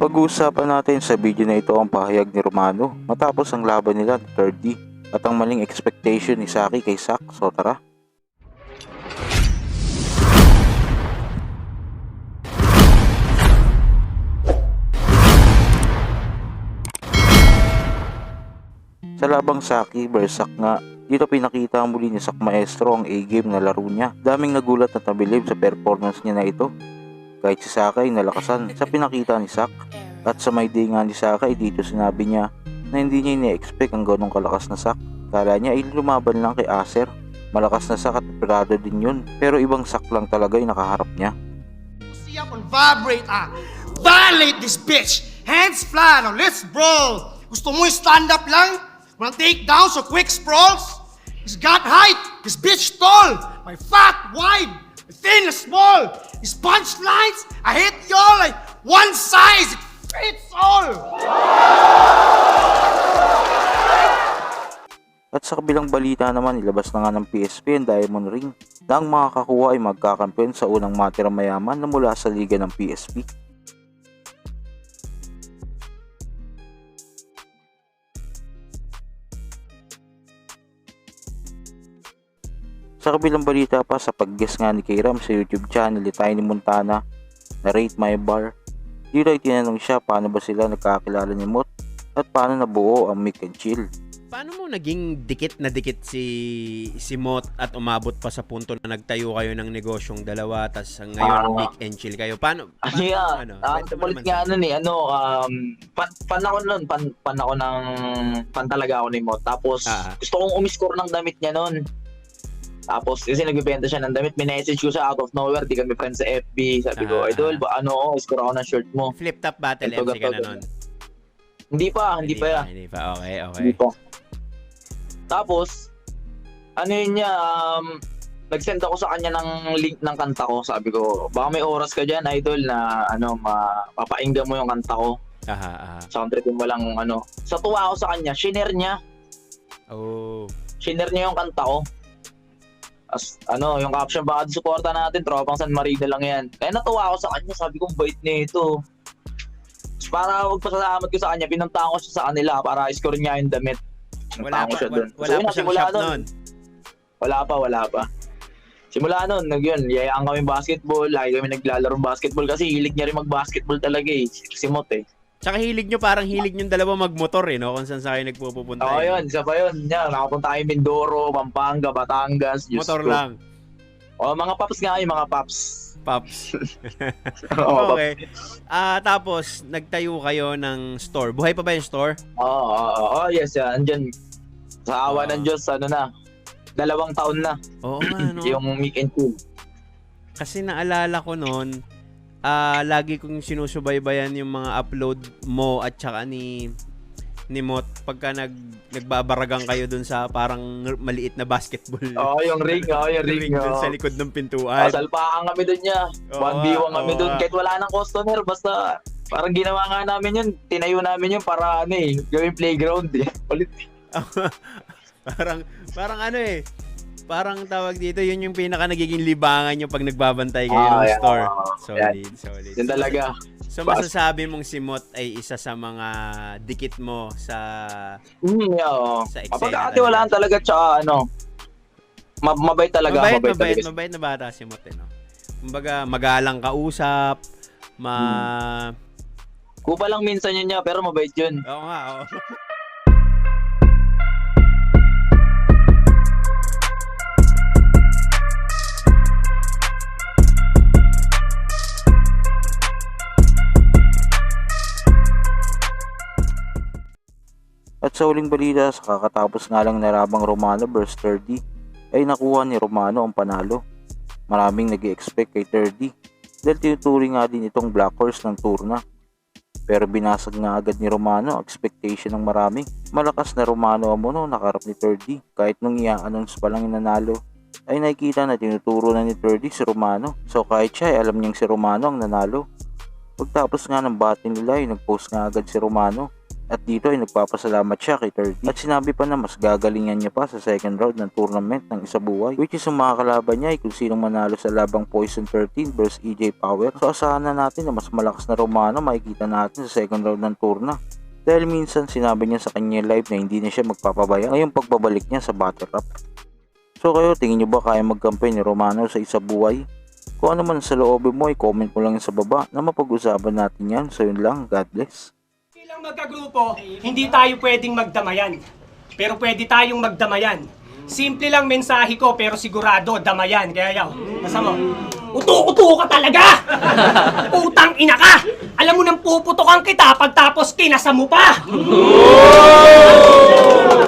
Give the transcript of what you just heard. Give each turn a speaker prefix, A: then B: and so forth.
A: Pag-uusapan natin sa video na ito ang pahayag ni Romano matapos ang laban nila ni 3D at ang maling expectation ni Saki kay Zack. So tara. Sa labang Saki vs Zack nga, dito pinakita muli ni Zack Maestro ang A-game na laro niya. Daming nagulat at nabilib sa performance niya na ito. Kahit si Saki ay nalakasan sa pinakita ni Zack. At sa may day nga ni Saki dito sinabi niya na hindi niya ini-expect ang ganong kalakas na Zack. Kala niya ay lumaban lang kay Acer. Malakas na Zack at operado din yun. Pero ibang Zack lang talaga yung nakaharap niya.
B: See up on vibrate, violate this bitch. Hands flat, now let's brawl. Gusto mo stand up lang? Wanna take down so quick sprawls? He's got height, this bitch tall. My fat wide, my thin small. His punchlines, I hit y'all like one size, it fits all.
A: At sa kabilang balita naman, ilabas na nga ng PSP ang Diamond Ring na ang makakakuha ay magkakampiyon sa unang matirang mayaman na mula sa liga ng PSP. Sa kabilang balita pa, sa pag-guess nga ni Kayram sa YouTube channel ni Tiny Montana na Rate My Bar, dito ay tinanong siya paano ba sila nagkakilala ni Mot at paano nabuo ang Mick and Chill.
C: Paano mo naging dikit na dikit si Mot at umabot pa sa punto na nagtayo kayo ng negosyong dalawa tas ngayon Mick and Chill kayo? Paano
D: Palit nga fan ako nun, fan ako ng fan talaga ako ni Mot. Tapos gusto kong umiscore ng damit niya nun. Tapos kasi nagbebenta siya ng damit, minessage ko siya out of nowhere, di kami friends sa FB. Sabi ko, idol, score ako ng shirt mo.
C: Flip top battle
D: ito,
C: MC ka na nun?
D: Hindi pa.
C: Hindi pa, okay.
D: Hindi pa. Tapos, nag-send ako sa kanya ng link ng kanta ko. Sabi ko, baka may oras ka dyan, idol, na mapapainggan mo yung kanta ko. Soundtrackin mo lang, Sa tuwa ako sa kanya, shinare niya. Shinare niya yung kanta ko. Yung caption, baka suporta natin, tropang San Marino lang yan. Kaya natuwa ako sa kanya, sabi ko, bait nito. Para magpasalamat ko sa kanya, pinuntahan ko siya sa kanila para i-score niya yung damit.
C: Wala pa siyang shop nun?
D: Wala pa. Simula nun, yayaan kami basketball, lagi kami naglalaro basketball kasi hilig niya rin mag-basketball talaga si Mot eh.
C: Tsaka hilig nyo dalawa magmotor no? Kung saan sa kayo nagpupunta.
D: Oo, yun. Isa pa yun. Nakapunta tayo Mindoro, Pampanga, Batangas.
C: Motor lang.
D: Mga paps nga yung mga paps.
C: Paps. Okay. Tapos, nagtayo kayo ng store. Buhay pa ba yung store?
D: Oo, yes. Andyan. Sa awa ng Diyos, 2 taon na.
C: Oo nga, no?
D: Yung Mick and Chill.
C: Kasi naalala ko noon, lagi kong sinusubaybayan yung mga upload mo at saka ni Mot pagka nagbabaragang kayo dun sa parang maliit na basketball.
D: Yung ring.
C: Dun sa likod ng pintuan.
D: Salpakan kami dun niya. 1v1 kami dun. Kahit wala nang customer, basta parang ginawa nga namin yun. Tinayo namin yun para gawing playground Ulit.
C: Parang tawag dito, yun yung pinaka nagiging libangan nyo pag nagbabantay kayo ng store. Solid.
D: Yun talaga.
C: So masasabi mong si Mot ay isa sa mga dikit mo sa sa eksena.
D: Mapagkakatiwalaan talaga tsaka mabait talaga.
C: Mabait na bata si Mot no? Kumbaga magalang kausap,
D: Kupa lang minsan yun niya, pero mabait yun.
C: Oo nga, oo.
A: At sa uling balita, sa kakatapos nga lang narabang Romano vs 3D, ay nakuha ni Romano ang panalo. Maraming nag-i-expect kay 3D dahil tinuturing nga din itong Black Horse ng turna. Pero binasag nga agad ni Romano ang expectation ng marami. Malakas na Romano ang nakarap ni 3D. Kahit nung i-announce pa lang nanalo, ay nakikita na tinuturo na ni 3D si Romano. So kahit siya ay alam niyang si Romano ang nanalo. Pagtapos nga ng battle nila ay nag-post nga agad si Romano At dito ay nagpapasalamat siya kay 30 at sinabi pa na mas gagalingan niya pa sa second round ng tournament ng isabuhay, which is ang mga kalaban niya ay kung sinong manalo sa labang Poison 13 versus EJ Power. So asahan na natin na mas malakas na Romano makikita natin sa second round ng turna. Dahil minsan sinabi niya sa kanya live na hindi na siya magpapabaya ngayong pagbabalik niya sa battle rap. So kayo, tingin nyo ba kaya magkampi ni Romano sa isabuhay? Kung ano man sa loobin mo ay comment mo lang sa baba na mapag-usapan natin yan. So yun lang, God bless.
E: Bilang magkagrupo, hindi tayo pwedeng magdamayan. Pero pwede tayong magdamayan. Simple lang mensahe ko pero sigurado damayan. Kaya yaw, nasa mo? Uto-uto ka talaga! Utang ina ka! Alam mo nang puputokan kita pagtapos kinasa mo pa!